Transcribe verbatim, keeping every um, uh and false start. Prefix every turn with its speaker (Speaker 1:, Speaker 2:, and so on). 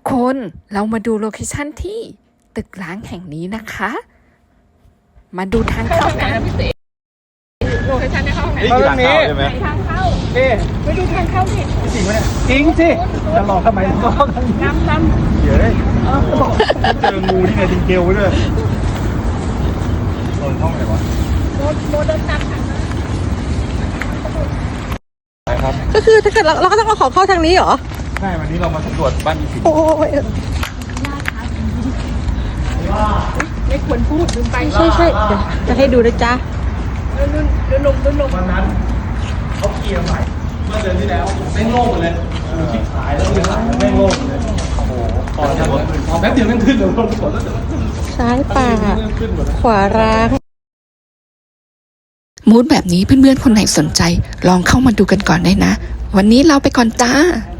Speaker 1: คนเรามาดูโลเคชั่นที่ตึกร้างแห่งนี้นะคะ มาดูทางเข้ากันโลเคชั่นที่เข้าไหน
Speaker 2: นี่คือทางเข้าใช่ไหม
Speaker 1: ทางเข้า
Speaker 2: นี่
Speaker 1: ไปดูทางเข้าดิ
Speaker 2: จริงไหมเนี่ยจริงสิจะหลอกทำไมหลอกทำไม
Speaker 1: น้ำน้ำ
Speaker 2: เดี๋ยวเลยเจองูที่ไหนดิงเกลไว้ด้วยโดนห้องไหนวะ
Speaker 1: โมโมเดินตามทาง
Speaker 2: ไปครับ
Speaker 3: ก็คือถ้าเกิดเราเราก็ต้องเอาของเข้าทางนี้เหรอ
Speaker 2: ใช่วันนี้เรามาสำรวจบ้านอีสิง
Speaker 3: โอ้ย
Speaker 1: ไม่ควรพูดลืมไป
Speaker 3: ใช่ใช่เดี๋ยวจะให้ดูนะจ๊ะ
Speaker 1: เดินเดินลงเดินลง
Speaker 2: วันนั้นเขาเคลียร์ใหม่เมื่อเดือนที่แล้วแม่งโล่งหมดเลยคิดขายแล้วไม่ขายแล้วแม่งโล่งเลยโอ้โหตอนนี้แป๊บเดียวแม่งขึ้นเลยลงหมดแล้ว
Speaker 3: ซ้ายป่า
Speaker 2: ขึ้นหมด
Speaker 3: ขวาร้าง
Speaker 1: มูดแบบนี้เพื่อนๆคนไหนสนใจลองเข้ามาดูกันก่อนได้นะ วันนี้เราไปก่อนจ้า